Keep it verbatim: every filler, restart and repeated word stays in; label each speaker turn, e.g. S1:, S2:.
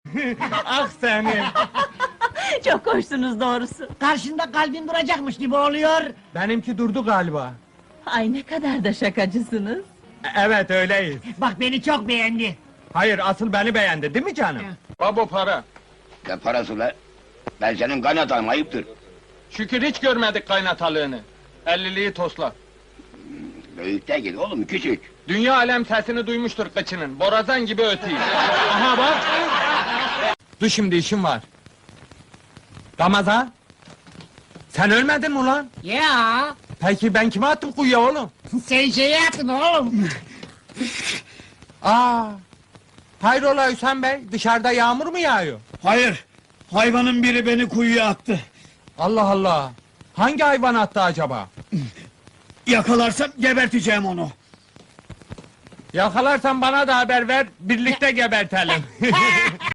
S1: Ah senin!
S2: Çok hoşsunuz doğrusu.
S3: Karşında kalbin duracakmış gibi oluyor.
S1: Benimki durdu galiba.
S2: Ay ne kadar da şakacısınız.
S1: E- Evet öyleyiz.
S3: Bak beni çok beğendi.
S1: Hayır asıl beni beğendi değil mi canım?
S4: Baba para.
S5: Ne parası la? Ben senin kaynatan ayıptır.
S4: Şükür hiç görmedik kaynatalığını. Elliliği tosla.
S5: Büyük değil oğlum, küçük.
S4: Dünya alem sesini duymuştur kıçının. Borazan gibi ötüyor. Aha bak!
S1: Dur şimdi işim var. Ramazan! Sen ölmedin mi ulan?
S3: Ya
S1: Peki ben kime attım kuyuya oğlum?
S3: sen şeyi yaptın oğlum.
S1: Aa! Hayrola Hüsam Bey, dışarıda yağmur mu yağıyor?
S6: Hayır, hayvanın biri beni kuyuya attı.
S1: Allah Allah! Hangi hayvan attı acaba?
S6: Yakalarsam geberteceğim onu.
S1: Yakalarsan bana da haber ver, birlikte gebertelim.